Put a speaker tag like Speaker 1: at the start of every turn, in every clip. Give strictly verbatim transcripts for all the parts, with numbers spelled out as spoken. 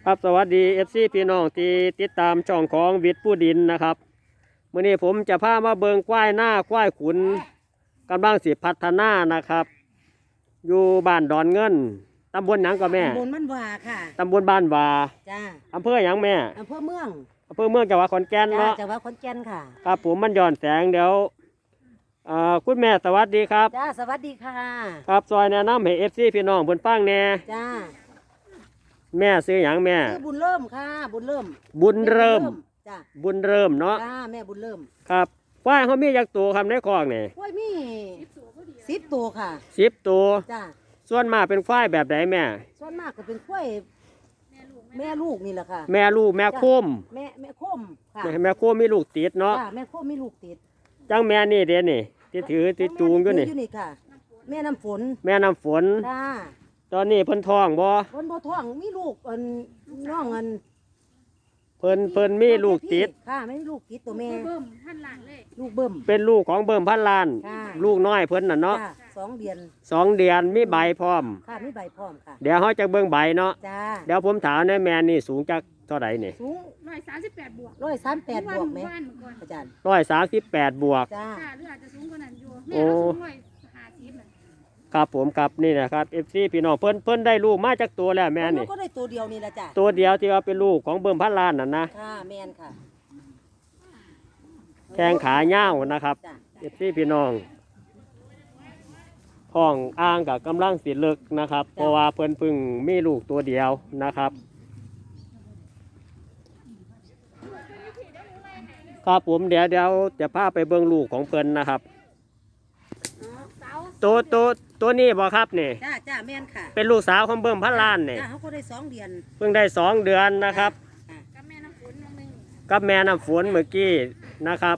Speaker 1: ครับสวัสดี เอฟ ซี พี่น้องที่ติดตามช่องของวิทย์ผู้ดินนะครับมื้อนี้ผมจะพามาเบิงควายหน้าควายขุนกำลังสิพัฒนานะครับ อยู่บ้านดอนเงินตำบลหยังก็แม่
Speaker 2: ตำบลมันวาค่ะ
Speaker 1: ตำบลบ้านวา
Speaker 2: จ้า
Speaker 1: อำเภอหยังแม่
Speaker 2: อำเภอเมือง
Speaker 1: อำเภอเมืองจังหวัดขอนแก่น
Speaker 2: จ้า
Speaker 1: เนาะ
Speaker 2: จังหวัดขอนแก่นค่ะ
Speaker 1: ครับผมมันย้อนแสงเดี๋ยวเอ่อคุณแม่สวัสดีครับ
Speaker 2: จ้าสวัสดีค่ะ
Speaker 1: ครับซอยแนะนำให้ เอฟ ซี พี่น้องเพิ่นฟังแหน่
Speaker 2: จ้า
Speaker 1: แม่ซื้อหยังแม่
Speaker 2: ชื่อบุญเริ่มค่ะบุญเริ่ม
Speaker 1: บุญเริ่ม
Speaker 2: จ้า
Speaker 1: บุญเริ่มเนาะ
Speaker 2: จ้าแม่บุญเริ่ม
Speaker 1: ครับควายเขามีจักตัวครับในคอกนี่
Speaker 2: ควายมีสิบตัวค่ะ
Speaker 1: สิบตัว
Speaker 2: จ้า
Speaker 1: ส่วนมากเป็นควายแบบไหนแม่
Speaker 2: ส่วนมากก็เป็นควายแม่ลูกนี่แหละค่ะ
Speaker 1: แม่ลูกแม่โคม
Speaker 2: แม่แม่โคมค่ะ
Speaker 1: แม่โคมมีลูกติดเนาะ
Speaker 2: จ้าแม่โคมมีลูกติด
Speaker 1: จังแม่นี่เด่นนี่ที่ถือที่จูงอยู่นี่
Speaker 2: อยู่นี่ค่ะแม่น้ำฝน
Speaker 1: แม่น้ำฝน
Speaker 2: จ้า
Speaker 1: ตอนนี้เพิ่นท้องบ่
Speaker 2: เพิ่นบ่ท้องมีลูกอันน้องอัน
Speaker 1: เพิ่นเพิ่นมีลูกติด
Speaker 2: ค่ะไม่มีลูกติดตัวแม่
Speaker 3: เบิ่มพันล้านเลย
Speaker 2: ลูกเบิ่ม
Speaker 1: เป็นลูกของเบิ่มพันล้านลูกน้อยเพิ่นน่ะเนาะ
Speaker 2: สองเดือน
Speaker 1: สองเดือนมีใบพร้อม
Speaker 2: ค่ะมีใบพร้อมค่ะ
Speaker 1: เดี๋ยวเฮาจะเบิ่งใบเนาะ
Speaker 2: จ้า
Speaker 1: เดี๋ยวผมถามในแม่นี่สูงจักเท่าใดนี่
Speaker 2: สูง
Speaker 3: ร้อยสามสิบแปดบวก
Speaker 2: ร้อยสามแปดบวกไหมอาจารย์
Speaker 1: ร้อยสามสิบแปดบวก
Speaker 2: จ้า
Speaker 3: หรืออาจจะสูงกว่านั้นอยู่แม่ก็สูงร้อยห้าสิบน่ะ
Speaker 1: ครับผมครับนี่นะครับ เอฟ ซี พี่น้องเพิ่นเพิ่นได้ลูกมาจากตัวแล้วแม่นี่
Speaker 2: ก็ได้ตัวเดียวนี่ละจ้ะ
Speaker 1: ตัวเดียวที่ว่าเป็นลูกของเบิ่มพันล้านน่ะนะ
Speaker 2: ค่ะแม่นค่ะ
Speaker 1: แข้งขาเหี่ยวนะครับ เอฟ ซี พี่น้องท้องอ่างกับกำลังสิเลิกนะครับเพราะว่าเพิ่นเพิ่งมีลูกตัวเดียวนะครับครับผมเดี๋ยวเดี๋ยวจะพาไปเบิ่งลูกของเพิ่นนะครับตัวตัวตัวนี้บ่ครับนี่
Speaker 2: จ้าจ้าแม่นค่ะ
Speaker 1: เป็นลูกสาวของเบิ่มพันล้านนี่
Speaker 2: จ้าเขาก็ได้สองเดือน
Speaker 1: เพิ่งได้สองเดือนนะครับ
Speaker 3: กับแม่น้ำฝนนึง
Speaker 1: กับแม่น้ำฝนเมื่อกี้นะครับ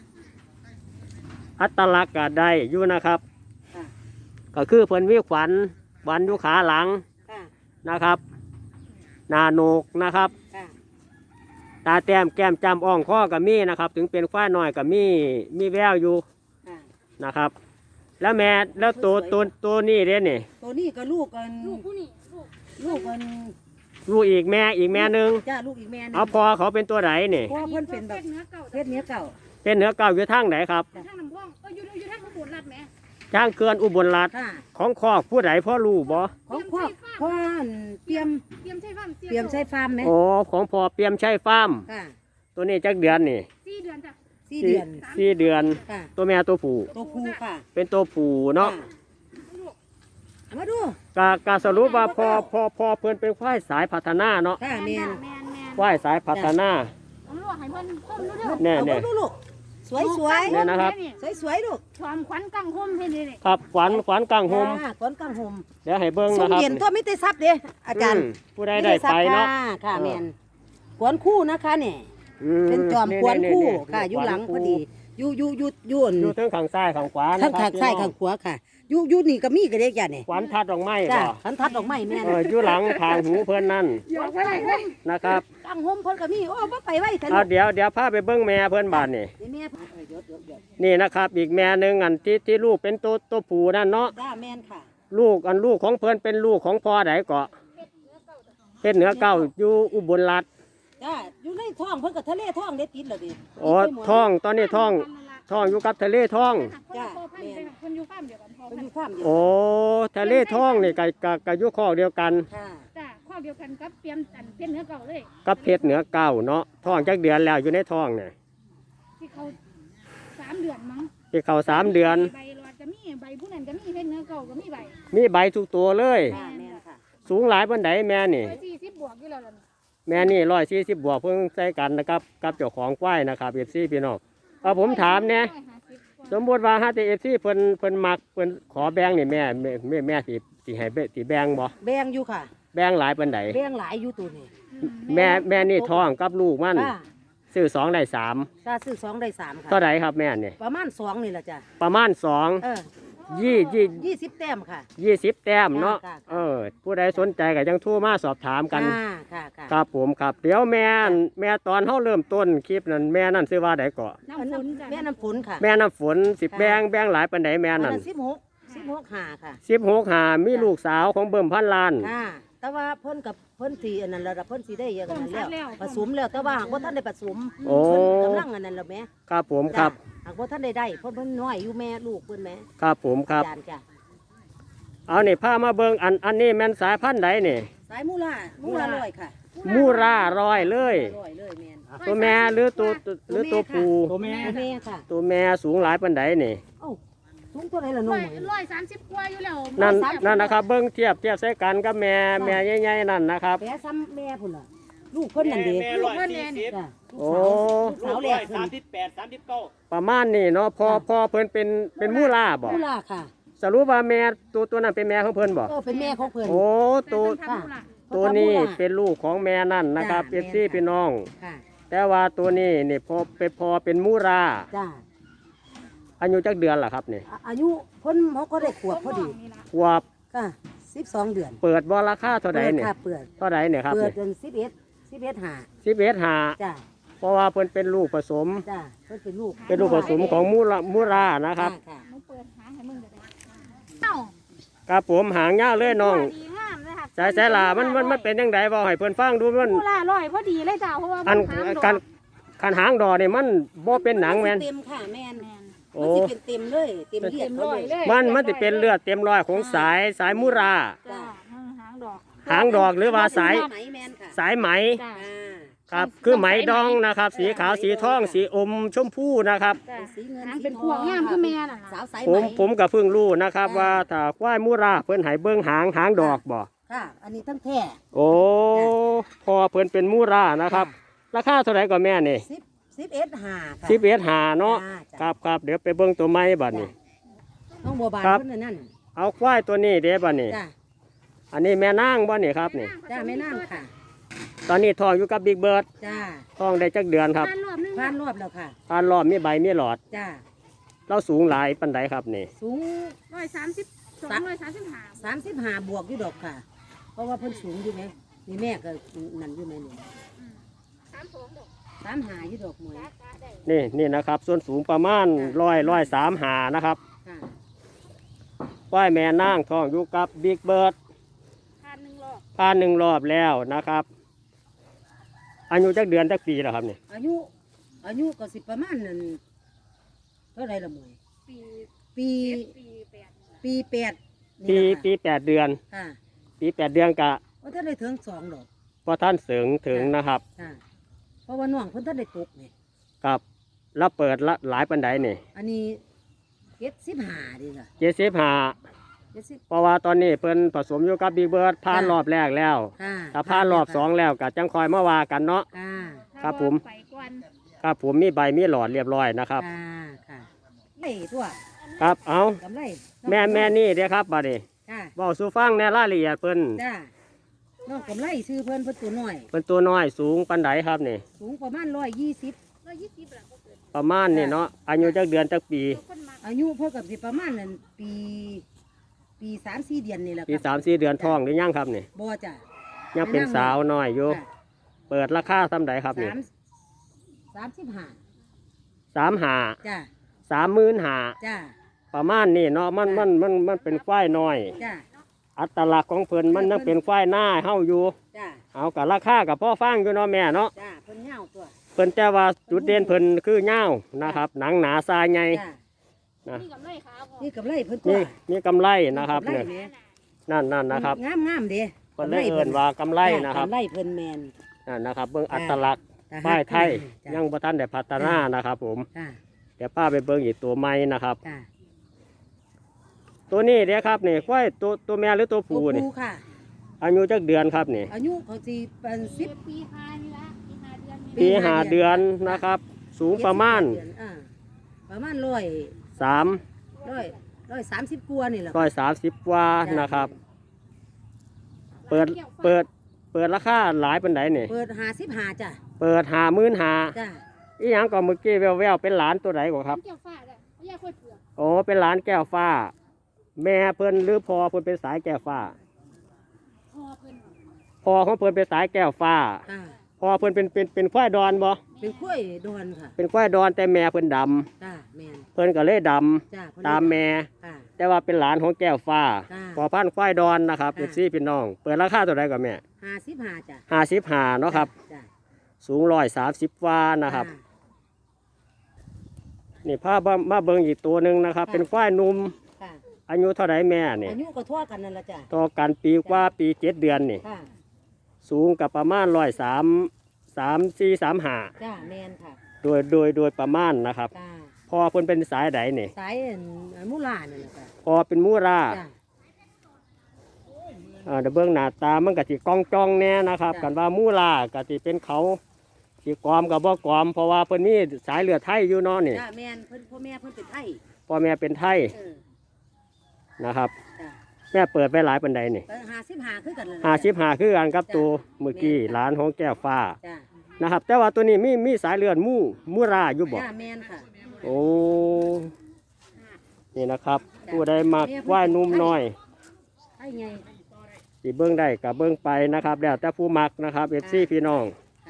Speaker 1: อัตลักษณ์ก็ได้อยู่นะครับก็คือเพิ่นวิขวัญวันอยู่ขาหลังนะครับหน้าโหนกนะครับตาแต้มแก้มจำอ่องข้อกับมีนะครับถึงเป็นควายน้อยกับมีมีแววอยู่นะครับแล้วแม่แล้วตัวตัวตัวนี้เด้นี่
Speaker 2: ตัวนี้ก็ลูกกัน
Speaker 3: ลูกผู้นี่ลูก
Speaker 2: ลูกกัน
Speaker 1: ลูกอีกแม่อีกแม่หนึ่ง
Speaker 2: จ้าลูกอีกแม่นึง
Speaker 1: เอาพอเขาเป็นตัวไหนนี่
Speaker 2: พ่อเพิ่นเป็นแบบเพศเนื้อเก่า
Speaker 1: เป็นเนื้อเก่าอยู่ทางไหนครับ
Speaker 3: ทางน้ำพ่องก็อยู่อยู่ทางอุบลรัตน์แม่
Speaker 1: ทางเขื่อนอุบลรัตน์ของคอกผู้ใดพ่อรู้บ่
Speaker 2: ของพ่อพ่อเปียม
Speaker 3: เปียมใช่ฟาร์ม
Speaker 2: เปียมใช่ฟาร์มไหม
Speaker 1: โอ้ของพ่อเปียมใช่ฟาร์มตัวนี้จักเดือนนี่
Speaker 3: สี่เดือนจ้ะ
Speaker 2: สี่เดือน
Speaker 1: สี่เดือนตัวแม่ตัวผู้
Speaker 2: ตัวผู้ค่ะ
Speaker 1: เป็นตัวผู้เนาะ
Speaker 2: มาดู
Speaker 1: กากาสรุปว่าพอพอพอเพื่อนเป็นควายสายพัฒนาเนาะควายสายพัฒนาแน่แน่
Speaker 2: สวยสวย
Speaker 1: เนี่ยนะครับ
Speaker 2: สวยสวยลูก
Speaker 3: ความขวัญกังหมให้นี่
Speaker 1: ครับขวัญขวัญกังหม
Speaker 2: ขวัญกังหม
Speaker 1: เดี๋ยวให้เบิ้งนะครับ
Speaker 2: เห็นตัวไม่ได้ซับเด้อาจารย์
Speaker 1: ผู้ใดได้ไปเนาะ
Speaker 2: ค่ะแมนขวัญคู่นะคะเนี่ยเป็นจอมขวัญคู่ค่ะอยู่หลังพอดีอยู่อยู่อยู่อยู่
Speaker 1: อยู่ทั้งข้างซ้ายข้างขวา
Speaker 2: ทั้งข้างซ้ายข้างขวาค่ะอยู่อยู่นี่ก็มีกระเด็กอย่างนี่
Speaker 1: ขวัญทัดดอกไม้
Speaker 2: จ้ะขวัญทัดดอกไม้แม่
Speaker 1: เอออยู่หลังทางหูเพิ่นนั่นนะครับ
Speaker 2: กังหมเพิ่นก็มีโอ้บ่ไปไว้
Speaker 1: เดี๋ยวเดี๋ยวพาไปเบิ้งแม่เพิ่นบาดนี่นี่นะครับอีกแม่หนึ่งอันที่ที่ลูกเป็นตัวตัวผู้นั่นเนาะ
Speaker 2: จ้าแม่นค่ะ
Speaker 1: ลูกอันลูกของเพิ่นเป็นลูกของพ่อไหนเกาะเพชรเหนือเก่าอยู่อุบลรัตน์
Speaker 2: จ้าอยู่ในท้องเพิ่นกับทะเลท้องได้ติดแล้วดิ
Speaker 1: อ๋อท้องตอนนี้ท้องท้องอยู่กับทะเลท้อง
Speaker 2: จ้า
Speaker 3: คนอยู่ฟาร์มเดียวกันพ่อ
Speaker 2: คนอยู่ฟาร์มเดียว
Speaker 1: โอ้ทะเลท้องนี่กับกับกับยุคข้อเดียวกัน
Speaker 2: ค่ะ
Speaker 3: จ้าข้อเดียวกันกับเตรียมอันเพชรเหนือเก่าเลย
Speaker 1: กับเพชรเหนือเก่าเนาะท้องจักเดือนแล้วอยู่ในท้องเนี่ย
Speaker 3: ที่เขาสามเดือนมั้ง
Speaker 1: ที่เขาสามเดือน
Speaker 3: ใบรอดจะมีใบผู้นั้นก็มีเพชรเหนือเก่าก็มีใบ
Speaker 1: มีใบทุกตัวเลยสูงหลายบนไดแม่นี่
Speaker 3: สี่สิบบวกอยู่แล้ว
Speaker 1: แม่นี่ร้อยสี่สิบบวกเพิ่งใส่กันนะครับกับเจ้าของควายนะครับเอฟซีพี่น้องเอาผมถามเนี่ยสมมติว่าฮะที่เอฟซีเพิ่นเพิ่นมักเพิ่นขอแบงนี่แม่แม่แม่แม่สิสิให้เบสิแบงบ่
Speaker 2: แบงอยู่ค่ะ
Speaker 1: แบงหลายปานใด
Speaker 2: แบงหลายอยู่ตัวนี้
Speaker 1: แม่แม่นี่ท้องกับลูกมันซื้อสองได้สาม
Speaker 2: ถ้าซื้อสองได้สามค่ะ
Speaker 1: เท่าไหร่ครับแม่นี่
Speaker 2: ประมาณสองนี่แหละจ้ะ
Speaker 1: ประมาณสองยี่ยี่
Speaker 2: ยี่สิบแต้มค่ะ
Speaker 1: ยี่สิบแต้มเนาะเออผู้ใดสนใจก็ยังโทรมาสอบถามกันครับผมครับเดี๋ยวแม่แม่ตอนเขาเริ่มต้นคลิปนั้นแม่นั่นซื้อว่าไดเกาะ
Speaker 2: แม่น้ำฝนค่ะ
Speaker 1: แม่น้ำฝนสิบแบงแบงหลายปันไดแม่นั่น
Speaker 2: สิบหกสิบหกหาค่ะ
Speaker 1: สิบหกหามีลูกสาวของเบิ่มพันล้าน
Speaker 2: ค่ะแต่ว่าเพิ่นกับเพิ่นสีอันนั้นแล้วล่ะเพิ่นสีได้เยอะกันนั้นแล้วผสมแล้วแต่ว่าหากว่าท่านได้ผสม
Speaker 1: โอ้
Speaker 2: เพิ่นกำลังอันนั้นแล้วแม่
Speaker 1: ครับผมครับ
Speaker 2: จ้ะหากว่าท่านได้ได้เพิ่นเพิ่นน้อยอยู่แม่ลูกเพิ่นแม่
Speaker 1: ครับผมครับ
Speaker 2: จานจ้ะ
Speaker 1: เอานี่พามาเบิ่งอันอันนี้แม่นสายพันธุ์ใดนี่
Speaker 2: สายมูลามูลาลอยค่ะ
Speaker 1: มูราร้อยเลย
Speaker 2: ลอยเลยแม่น
Speaker 1: ตัวแม่หรือตัวหรือตัวผู้
Speaker 2: ตัวแม่ตัวแม่ค่ะ
Speaker 1: ตัวแม่สูงหลายปานใดนี่
Speaker 2: เอ้าสูงเท่าไหร่ล่ะน้
Speaker 3: ร้
Speaker 2: อ
Speaker 3: อง ยร้อยสามสิบกว่าอยู่แล้ว
Speaker 1: นั่น
Speaker 3: ร้อยสามสิบ
Speaker 1: นั่นนะครับเบิ่งเทียบเทียบใส่กันกับแม่แม่ใหญ่ๆนั่นนะครับ
Speaker 2: แม่ซ้ำแม่พุ่นล่ะลูกเพิ่นนั่นเด้
Speaker 3: ลูกเพิ่นเนี่ยนี่
Speaker 2: จ้ะ
Speaker 1: โอ้
Speaker 2: ลูกสาวแรกเพิ่น
Speaker 1: ประมาณนี้เนาะพอพอเพิ่นเป็นเป็นมูราบ่
Speaker 2: มูลาค่ะ
Speaker 1: สรุปว่าแม่ตัวตัวนั้นเป็นแม่ของเพิ่นบ่
Speaker 2: ก็เป็นแม่ของเพิ่น
Speaker 1: โอ้ตัว
Speaker 3: แต่เพิ่นทำธุระ
Speaker 1: ตัวนี้เป็นลูกของแม่นั่นนะครับ
Speaker 2: จ้ะ
Speaker 1: เป็นพี่
Speaker 2: แม่นค่ะ
Speaker 1: พี่น้อง
Speaker 2: ค่ะ
Speaker 1: แต่ว่าตัวนี้นี่พอเป็นพอเป็นมูรา
Speaker 2: จ้า
Speaker 1: อายุจักเดือนล่ะครับนี่
Speaker 2: อายุเพิ่นเขาก็ได้ขวบพอดี
Speaker 3: นี่ล่ะ
Speaker 1: ขวบ
Speaker 2: ค่ะสิบสองเดือน
Speaker 1: เปิดบ่ราคาเท่าใดนี่
Speaker 2: ค่ะเปิด
Speaker 1: เท่าใดเนี่ยครับ
Speaker 2: เปิด
Speaker 1: นี่
Speaker 2: จนสิบเอ็ดสิบเอ็ดหา
Speaker 1: สิบเอ็ดหา
Speaker 2: จ้า
Speaker 1: เพราะว่าเพิ่นเป็นลูกผสม
Speaker 2: จ้าเพิ่นเป็นลูก
Speaker 1: เป็นลูกผสมของมูรามูรานะครับ
Speaker 2: ค่ะ
Speaker 3: มึงเปิดหาให้มึงเดี๋ยวได้เอ้า
Speaker 1: ครับผมหางยาวเลยน้อง
Speaker 3: ดีงามเลยค่ะ
Speaker 1: สายสายลามันมันมันเป็นยังไงบ่ให้เพิ่นฟังดูมัน
Speaker 3: มูลาร้อยพอดีเลยจ้าเพราะว่า
Speaker 1: อัน
Speaker 3: มันหางด
Speaker 1: กั
Speaker 3: อน ก
Speaker 1: คันหางดอกนี่มันบ่เป็นหนังแม่น
Speaker 2: เต็มค่ะแม่น
Speaker 3: แม่น
Speaker 1: โอ้
Speaker 2: มันสิเป็นเต็มเลยเต็มเลือ
Speaker 3: เต็
Speaker 2: ด
Speaker 3: ม
Speaker 2: เขา
Speaker 3: ร้อย
Speaker 2: เล
Speaker 3: เลย ย
Speaker 1: มันมันสิเป็นเลือดเต็มร้อยของสายสายมูรา
Speaker 3: จ้าหางดอก
Speaker 1: หางดอกหรือว่าสาย
Speaker 2: ไหมแม่นค่ะ
Speaker 1: สายไหม
Speaker 3: จ้า
Speaker 2: อ่า
Speaker 1: ครับคือไหมดองนะครับ สีขาวสีทองสีอมชมพูนะครับ
Speaker 3: จ้า
Speaker 2: สีเงิน
Speaker 3: หาง
Speaker 2: สี
Speaker 3: เป็น
Speaker 2: ท
Speaker 3: พวงงามคือแม่น่ะ
Speaker 2: สาวสาย
Speaker 1: ผ
Speaker 2: ไหม
Speaker 1: มผมก็เพิ่งรู้นะครับว่าถ้าควายมูราเพิ่นให้เบิ่งหางหางดอกบ่
Speaker 2: ค่ะ อันนี้ทั้งแท้
Speaker 1: โอ้พอเพิ่นเป็นมูรานะครับ ราคาเท่าไหร่ก็แม่นี่
Speaker 2: สิบสิบเอ็ดหาค่ะ
Speaker 1: สิบเอ็ดหาเนาะ
Speaker 2: จ้าจ้า
Speaker 1: ครับครับเดี๋ยวไปเบิ่งตัวไม้บัดนี้
Speaker 2: น้องบัวบาน
Speaker 1: ครับ
Speaker 2: เพิ่นนั่นนั่น
Speaker 1: เอาควายตัวนี้เด้บัดนี้
Speaker 2: จ้า
Speaker 1: อันนี้แม่นางบ่นี่ครับนี่
Speaker 2: จ้าแม่น้ำค่ะ
Speaker 1: ตอนนี้ท้องอยู่กับบิ๊กเบิร์ด
Speaker 2: จ้า
Speaker 1: ท้องได้จักเดือนครับ
Speaker 3: ทานรอบนึง
Speaker 2: ผ่านรอบแล้วค่ะ
Speaker 1: ทานรอบมีใบมีหลอด
Speaker 2: จ้า
Speaker 1: เราสูงหลายปานใดครับนี่
Speaker 2: สูง
Speaker 3: ร้อยสามสิบสองร้อยสามสิบห้า
Speaker 2: สามสิบห้าบวกอยู่ดอกค่ะ เพราะว่าเพิ่นสูงอยู่ไหมนี่แม่ก็นั่นอยู่ไหมนี่
Speaker 3: สามสองดอก
Speaker 2: สามหาอยู่ดอกหมวย
Speaker 3: จ้าจ้าได้
Speaker 1: นี่นี่นะครับ ส่วนสูงประมาณร้อยร้อยสามหานะครับ
Speaker 2: ค่ะ
Speaker 1: ควายแม่นางท้องอยู่กับบิ๊กเบิร์ด
Speaker 3: ทานหนึ่งรอบ
Speaker 1: ผ่านหนึ่งรอบแล้วนะครับ อายุจักเดือนจักปีแล้วครับนี่
Speaker 2: อายุ อายุก็สิประมาณนั้นเท่าไหรละหมวย
Speaker 3: ปี
Speaker 2: ปี
Speaker 3: เจ็ดปีแปด
Speaker 2: ปีแปด
Speaker 1: ปี
Speaker 2: นี่
Speaker 1: ปี
Speaker 2: แหละ
Speaker 1: แปดเดือน
Speaker 2: ค่ะ
Speaker 1: ปีแปดเดือนกะ
Speaker 2: ว่าท่านได้ถึงสองดอก
Speaker 1: พอท่านเสริงถึงนะครับ
Speaker 2: ค่ะ เพราะว่าน้องเพิ่นท่านได้ตกนี่
Speaker 1: กับแล้วเปิดละหลายปันไดนี่
Speaker 2: อันนี้เจ็ดสิบห้าดีค่ะ
Speaker 1: เจ็ดสิบห้า
Speaker 2: เจ็ดสิบ
Speaker 1: เพราะว่าตอนนี้เพิ่นผสมอยู่กับบิ๊กเบิร์ดผ่าน
Speaker 2: ค่ะ
Speaker 1: รอบแรกแล้ว
Speaker 2: ค่ะ
Speaker 1: ถ้าผ่านรอบสองแล้วก็จังคอยมาว่ากันเนาะ
Speaker 2: ค่ะ
Speaker 1: ครับผม
Speaker 3: ไปก่อน
Speaker 1: ครับผมมีใบมีหลอดเรียบร้อยนะครับ
Speaker 2: ค่ะค่ะไล่ตัว
Speaker 1: ครับเอา
Speaker 2: กำไร
Speaker 1: แม่แม่นี่เด้อครับบัดนี้
Speaker 2: ค่ะ
Speaker 1: บอกสู่ฟังในรายละเอียดเพิ่น
Speaker 2: จ้าน้องกำไรซื้อเพิ่นเพิ่นตัวน้อย
Speaker 1: เพิ่นตัวน้อยสูงปันไดครับนี่
Speaker 2: สูงประมาณร้อยยี่สิบ
Speaker 3: ร้อยยี่สิบหลังก็เกิด
Speaker 1: ประมาณนี่เนาะอายุจักเดือนจักปี
Speaker 3: ตัวคนมา
Speaker 2: อายุเพิ่นกับสิประมาณนั้นปี ปีสามสี่เดือนนี่แหละ
Speaker 1: ปี
Speaker 2: ครับ
Speaker 1: สามสี่เดือนท้องหรือยังครับนี่
Speaker 2: บ่จ้ะ
Speaker 1: ยังเป็นสาวน้อยอยู่
Speaker 2: ค่ะ
Speaker 1: เปิดราคาซ้ำใดครับนี่
Speaker 2: สามสามสิบห้า
Speaker 1: สามหา
Speaker 2: จ้า
Speaker 1: สามหมื่นหา
Speaker 2: จ้า
Speaker 1: ประมาณนี่เนาะมันมันมันมันเป็นควายน้อย
Speaker 2: จ้า
Speaker 1: อัตลักษณ์ของเพิ่นมันยังเป็นควายหน้าเฮาอยู่
Speaker 2: จ้า
Speaker 1: เอากับราคากับพ่อฟังอยู่เนาะแม่เนาะ
Speaker 2: จ้าเพิ่นเหงาตัว
Speaker 1: เพิ่นแต่ว่าจุดเด่นเพิ่นคือเงาวนะครับ หนังหนาทรายใหญ่
Speaker 2: จ้า
Speaker 1: นะ
Speaker 3: นี่กับไรขาพอ
Speaker 2: นี่กับไรเพิ่นตัว
Speaker 1: นี่มีกำไรนะครับ
Speaker 2: กำไร
Speaker 1: เนี่ย
Speaker 2: แหม
Speaker 1: นั่นนั่นนะครับ
Speaker 2: งามงามๆเด้
Speaker 1: เพิ่นเลยเอิ้นว่ากำไรนะครับ
Speaker 2: กำไรเพิ่นแมน
Speaker 1: นั่นนะครับเบิ่งอัตลักษณ์
Speaker 2: แต่
Speaker 1: ป้ายไทย
Speaker 2: จ้ะ
Speaker 1: ยังบ่ทันได้พัฒนานะครับผม
Speaker 2: จ้า
Speaker 1: เดี๋ยวป้าไปเบิ่งอีกตัวใหม่นะครับ
Speaker 2: จ้า
Speaker 1: ตัวนี้เด้ครับนี่ควายตัวตัวแม่หรือตัว
Speaker 2: ตัว
Speaker 1: ผู้นี่
Speaker 2: ผู้ค่ะ
Speaker 1: อายุจักเดือนครับนี่
Speaker 2: อายุเขาสิเป็นสิบ
Speaker 3: ปีห้านี่ละปีห้าเดือน
Speaker 2: ปี
Speaker 1: ปีหาเดือนนะครับ สูงประมาณ
Speaker 2: เจ็ดสิบเดือนอ่าประมาณร้อย
Speaker 1: สาม
Speaker 2: ร้อยร้อยสามสิบกว่านี่แหละ
Speaker 1: ร้อยสามสิบกว่านะครับ เปิดเปิดเปิดราคาหลายปันไดนี่
Speaker 2: เปิดหาสิบหาจ้ะ
Speaker 1: เปิดหามื่นหา
Speaker 2: จ้า
Speaker 1: อีหยังก็เมื่อกี้แววๆเป็นหลานตัวไหนกว่าครับ
Speaker 3: เกี่ยวฟ้าเลยไม่อยากค่อยเปลือก
Speaker 1: โอ้เป็นหลานแก้วฟ้า แม่เพิ่นหรือพอเพิ่นเป็นสายแก้วฟ้า
Speaker 3: พอเพิ่น
Speaker 1: พอของเพิ่นเป็นสายแก้วฟ้า
Speaker 2: จ้า
Speaker 1: พอเพิ่นเป็นเป็นเป็นควายดอนบ่
Speaker 2: เป็นกล้วยดอนค่ะ
Speaker 1: เป็นควายดอนแต่แม่เพิ่นดำ
Speaker 2: จ้าแมน
Speaker 1: เพิ่นก็เลยด
Speaker 2: จ้าเพิ่น
Speaker 1: ำตามแม่
Speaker 2: ค่ะ
Speaker 1: แต่ว่าเป็นหลานของแก้วฟ้า
Speaker 2: จ้า
Speaker 1: พอพันธุ์ควายดอนนะครับ
Speaker 2: ค่ะ
Speaker 1: เอฟซีพี่น้อง เปิดราคาตัวใดก่อนแม่
Speaker 2: ห้าสิบห้าจ้ะ
Speaker 1: ห้าสิบห้าเนาะครับ
Speaker 2: จ้ะ
Speaker 1: สูงร้อยสามสิบวานะครับ
Speaker 2: จ้
Speaker 1: นี่ภาพมาเบิ่งอีกตัวหนึ่งนะครับ
Speaker 2: ค่ะ
Speaker 1: เป็นควายหนุ่ม
Speaker 2: ค่ะ
Speaker 1: อายุเท่าไรแม่นี่
Speaker 2: อายุก็ทั่วกันนั่นละจ้ะ
Speaker 1: ต่อกันปีกว่าปีเจ็ดเดือนนี่
Speaker 2: ค่ะ
Speaker 1: สูงกับประมาณร้อยสามสามสี่สามห้า
Speaker 2: จ้าแมนค่ะ
Speaker 1: โดยโดยโดยประมาณนะครับ
Speaker 2: จ้า
Speaker 1: พอเพิ่นเป็นสายใดนี่
Speaker 2: สายอันมูลานั่นแหละค่ะ
Speaker 1: พอเป็นมูรา
Speaker 2: จ้า
Speaker 1: อ่าเดี๋ยวเบื้องหน้าตามันก็สิกองจองแน่นะครับ
Speaker 2: จ้ะ
Speaker 1: กันว่ามูลาก็สิเป็นเขาสิกอมกับบ่กอม เพราะว่าเพิ่นมีสายเลือดไทยอยู่เนาะนี่
Speaker 2: จ้าแมนเพิ่นพ่อแม่เพิ่นเป็นไทย
Speaker 1: พ่อแม่เป็นไทย
Speaker 2: เออ
Speaker 1: นะครับ
Speaker 2: จ้า
Speaker 1: แม่เปิดไปหลายปันใดนี่
Speaker 2: ก็ห้าสิบห้าคือกันเลย
Speaker 1: ห้าสิบห้าคือกันกับ
Speaker 2: จ้ะ
Speaker 1: ตัวเมื่อกี้
Speaker 2: แม่นค่ะ
Speaker 1: หลานของแก้วฟ้า
Speaker 2: จ้า
Speaker 1: นะครับ แต่ว่าตัวนี้มีมีสายเลือดมูมูราอยู่บ่
Speaker 2: จ้าแมนค่ะ
Speaker 1: โอ้นี่นะครับ
Speaker 2: จ้ะ
Speaker 1: ผู้ใดมักว่ายนุ่มน้อย
Speaker 2: ไทยไง
Speaker 1: สิเบิ้งได้กับเบิ้งไปนะครับแล้วแต่ผู้มักนะครับเอฟซีพี่น้อง
Speaker 2: ค่ะ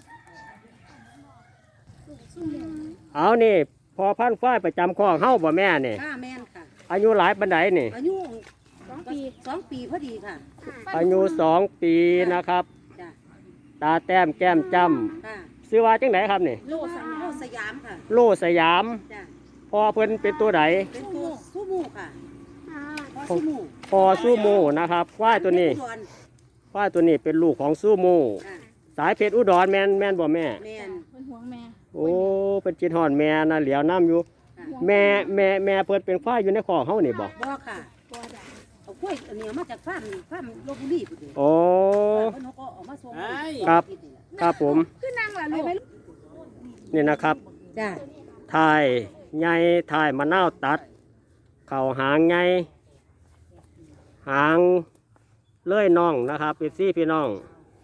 Speaker 1: เอานี่พอพันธุ์ฝ้ายประจำคอกเฮ้าบ่แม่นี่
Speaker 2: จ้าแมนค่ะ
Speaker 1: อายุหลายปันไดนี่
Speaker 2: อายุ
Speaker 3: สองปี
Speaker 2: สองปีพอดีค่ะ
Speaker 1: อายุสองปีนะครับ
Speaker 2: จ้า
Speaker 1: ตาแต้มแก้มจ้
Speaker 2: ค่ะ
Speaker 1: ำซื้อว่าจังไหนครับนี่
Speaker 2: โลสโลสยามค่ะ
Speaker 1: โลสยาม
Speaker 2: จ้า
Speaker 1: พอเพิ่นเป็นตัวไหน
Speaker 2: เป็นตัวซูมูค่ะพอซูมู
Speaker 1: พอซูโมนะครับควายตัวนี้
Speaker 2: อุดร
Speaker 1: ควายตัวนี้เป็นลูกของซูโม
Speaker 2: ค่ะ
Speaker 1: สายเพชรอุดรแมนแมนบ่แม่
Speaker 2: แมน
Speaker 3: เพิ่นห่วงแม่
Speaker 1: โอ้เป็นจิตหอนแม่นะเหลียวน้ำอยู่
Speaker 2: ค่ะ
Speaker 1: แม่แม่แม่เพิ่นเป็นควายอยู่ในคอกเฮานี่บ่
Speaker 2: บ่ค่ะ
Speaker 3: ตัวจ้ะ
Speaker 2: เอากล้วยอันนี้เอามาจากฟาร์มฟาร์มลพบุรีพุ่นเด้
Speaker 1: โอ้
Speaker 2: เพิ่นเขาก็เอามาส่ง
Speaker 1: ครับ ครับผม
Speaker 3: คือนั่งล่ะลูก
Speaker 1: นี่นะครับ
Speaker 2: จ้า
Speaker 1: ถ่ายใหญ่ถ่ายมะนาวตัด เข่าหางใหญ่หางเลื่อยน่องนะครับเป็นซี่พี่น้อง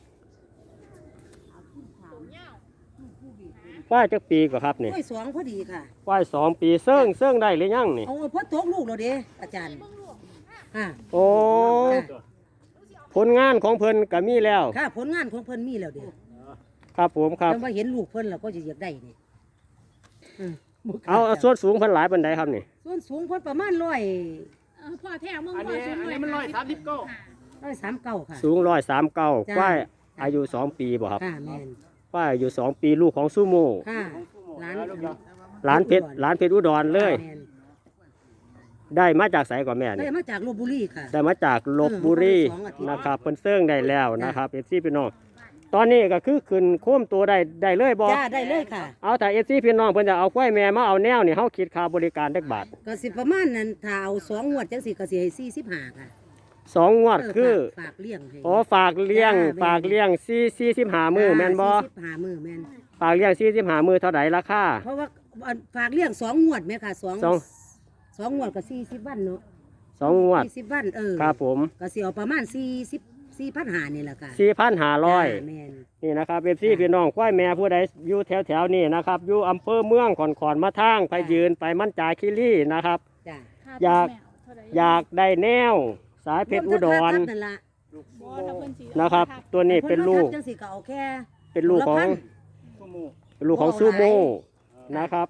Speaker 1: ว่ายจักปีกว่าครับนี่
Speaker 2: กล้วยสองพอดีค่ะ
Speaker 1: ว่ายสองปีเซิ่งเซิ่งได้หรือยังนี่
Speaker 2: เอาเอาพ่อตกลูกแล้วเด้อาจารย์ค่ะ
Speaker 1: โอ้
Speaker 2: จ้ะ
Speaker 1: ผลงานของเพิ่นก็มีแล้ว
Speaker 2: ค่ะผลงานของเพิ่นมีแล้วเด้
Speaker 1: ครับผมครับ
Speaker 2: แต่ว่าเห็นลูกเพิ่นแล้วก็จะอยากได้นี่อืมบ่กล้
Speaker 1: เอาเอาส่วนสูงเพิ่นหลายปันใดครับนี่
Speaker 2: ส่วนสูงเพิ่นประมาณร้อย
Speaker 3: เออพ่อแท้มึง
Speaker 4: อัน
Speaker 3: พ่อ
Speaker 4: นี้
Speaker 3: สูง
Speaker 4: อันนี้มันร้อยสามสิบเก้า
Speaker 2: ร้อยสามเก้าค่ะ
Speaker 1: สูงร้อยสามเก้า
Speaker 2: จ้ะ
Speaker 1: ว่ายอายุสองปีบ่ครับ
Speaker 2: ค่ะแม่น
Speaker 1: ว่ายอายุสองปีลูกของซูโม่
Speaker 2: ค่ะร้าน
Speaker 1: หลานเพชรหลานเพชรอุดรเลย
Speaker 2: แม่น
Speaker 1: ได้มาจากไสก่อนแม่
Speaker 2: ได้
Speaker 1: นี่
Speaker 2: มาจากลพบุรีค่ะ
Speaker 1: ได้มาจากลบบุรี
Speaker 2: เออมาได้สองอาทิตย์
Speaker 1: นะครับเพิ่นเซิ่งได้แล้วนะครับเอฟซีพี่น้องตอนนี้ก็คือขึ้นโค้มตัวได้ได้เลยบ่
Speaker 2: จ้าได้เลยค่ะ
Speaker 1: เอาแต่เอฟซีพี่น้องเพิ่นจะเอาควายแม่มาเอาแนวนี่เฮาคิดค่าบริการจักบาท
Speaker 2: ก็สิประมาณนั้นถ้าเอาสองงวดจังสิก็สิให้สี่สิบห้าค่ะ
Speaker 1: สองงวด
Speaker 2: เ
Speaker 1: คือ
Speaker 2: ฝากฝากเลี้ยงให้
Speaker 1: อ๋อฝากเลี้ยง
Speaker 2: จ้าแม่น
Speaker 1: ฝากเลี้ยงสี่สี่สิบห้ามื้อแม่นบ่
Speaker 2: สี่สิบห้ามื้อแม่น
Speaker 1: ฝากเลี้ยงสี่สิบห้ามื้อเท่าใดราคา
Speaker 2: เพราะว่าอันฝากเลี้ยงสองงวดไหมค่ะสอง
Speaker 1: สอง
Speaker 2: สองงวดก็สี่สิบวันเนาะ
Speaker 1: สองงวด
Speaker 2: สี่สิบวันเออ
Speaker 1: ครับผม
Speaker 2: ก็สิเอาประมาณสี่สิบสี่พันหานี่แหละค่ะ
Speaker 1: สี่พันห้าร้อย
Speaker 2: จ้าแม่น
Speaker 1: นี่นะครับเอฟซีพี่น้องควายแม่ผู้ใดอยู่แถวแถวๆนี้นะครับอยู่อำเภอเมืองขอนขอนมาทางไปยืนไปมั่นจาคิรีนะครับ
Speaker 2: จ้า
Speaker 3: ค่
Speaker 1: อยาก
Speaker 3: แม่เท่ไห
Speaker 1: อยากได้แนวสายเพชรอุดร
Speaker 2: วมทั้งค่าทับนั่นล่ะ
Speaker 3: บ่ถ้าเพิ่นสิ
Speaker 1: นะครับ ตัวนี้เป็นลูก
Speaker 2: จังสิก็เอาแค่
Speaker 1: เป็นลูกของ
Speaker 2: ตัวละพัน
Speaker 1: เป็นลูกของซูโม่นะครับ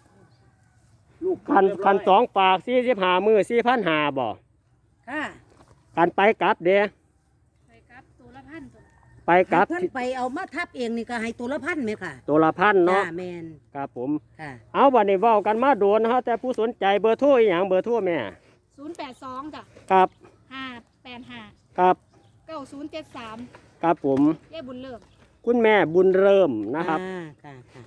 Speaker 1: คันคันสองฝากสี่สิบห้ามือสี่พันหาบ่
Speaker 2: ค่ะ
Speaker 1: กันไปกลับเด้
Speaker 3: ไปครับตัวละพันตัว
Speaker 1: ไปกลับ
Speaker 2: ให้เพิ่นไปเอามาทับเองนี่ก็ให้ตัวละพันไหมค่ะ
Speaker 1: ตัวละพัน
Speaker 2: จ้า
Speaker 1: เนาะ
Speaker 2: แม่น
Speaker 1: ครับผม
Speaker 2: ค่ะ
Speaker 1: เอาวันนี้เว้ากันมาโดนนะฮะแต่ผู้สนใจเบอร์โทรอหย่างเบอร์โทรแม่
Speaker 3: ศูนย์แปดสองจ้ะ
Speaker 1: ครับ
Speaker 3: ห้าแปดห้า
Speaker 1: ครับ
Speaker 3: เก้าศูนย์เจ็ดสาม
Speaker 1: ครับผม
Speaker 3: เย่บุญเลิก
Speaker 1: คุณแม่บุญเริ่มนะครับ
Speaker 2: อ่าค่ะค่ะ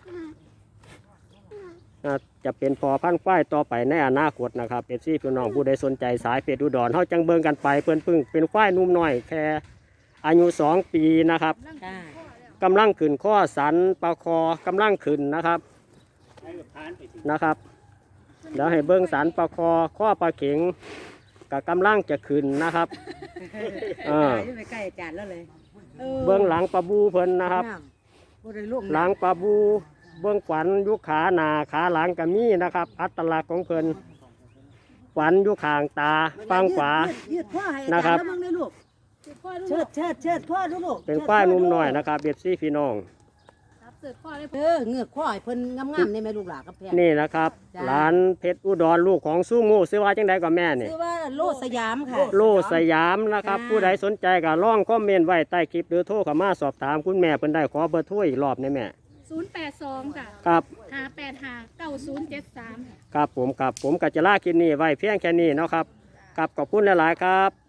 Speaker 1: อ่าจะเป็นพอพันธุ์ฝ้ายต่อไปในอนาคตนะครับเอฟซีพี่น้องผู้ใดสนใจสายเพชรอุดรเขาจังเบิ่งกันไปเพื่อนพึ่งเป็นควายนุ่มน้อยแค่อายุสองปีนะครับ
Speaker 3: ร่าง
Speaker 2: ค่ะ
Speaker 3: พ่อแล้ว
Speaker 1: กำลังขึ้นข้อสันปลาคอกำลังขึ้นนะครับนะครับเดี๋ยวให้เบิ้งสันปลาคอข้อปลาเข็งกับกำลังจะขึ้นนะครับ เออ
Speaker 2: ไปใกล้อาจารย์แล้วเลยออ
Speaker 1: เบิ้งหลังปลาบูเพิ่นนะครับ
Speaker 2: น้ำบ่ได้ลูก
Speaker 1: หลังปลาบูเบื้องขวัญอยุขาหนาขาหลังก็มีนะครับ อัตลักษณ์ของเพิ่นขวัญอยุขางตาฟังขวา
Speaker 2: ยืดยืดข้อให้อา
Speaker 1: นะค
Speaker 2: จา
Speaker 1: รั
Speaker 2: ร
Speaker 1: บ
Speaker 2: ย์แล้วมึงเลยลูก
Speaker 3: คือพ่อลู
Speaker 2: เชิด
Speaker 3: ก
Speaker 2: เชิดเชิดข้อดูลูก
Speaker 1: เป็นควายนุ่มน้อยนะครับเบียดซี่พี่น้อง
Speaker 3: สเสิร์ฟพ่อเลย
Speaker 2: เออเงือกข้อให้เพิ่นงามๆในแม่ลูกหลานกับแพง
Speaker 1: นี่นะครับ
Speaker 2: จ้ะ
Speaker 1: หลานเพชรอุดรลูกของสู้งูซื้อว่าจังใดก็แม่นี่
Speaker 2: ชื่อว่าโลสยามค่ะ
Speaker 1: โลสยามนะครับ
Speaker 2: จ้า
Speaker 1: ผู้ใดสนใจก็ลองคอมเมนต์ไว้ใต้คลิปหรือโทรเข้ามาสอบถามคุณแม่เพิ่นได้ขอเบอร์โทรอีกรอบได้แม่
Speaker 3: ศูนย์แปดสองจ้ะ
Speaker 1: ครับ
Speaker 3: ห้าแปดห้าเก้าศูนย์เจ็ดสาม
Speaker 1: ครับผมครับผมกัจจลาคลิปนี้ไว้เพียงแค่นี้เนาะครับครับขอบคุณหลายๆครับ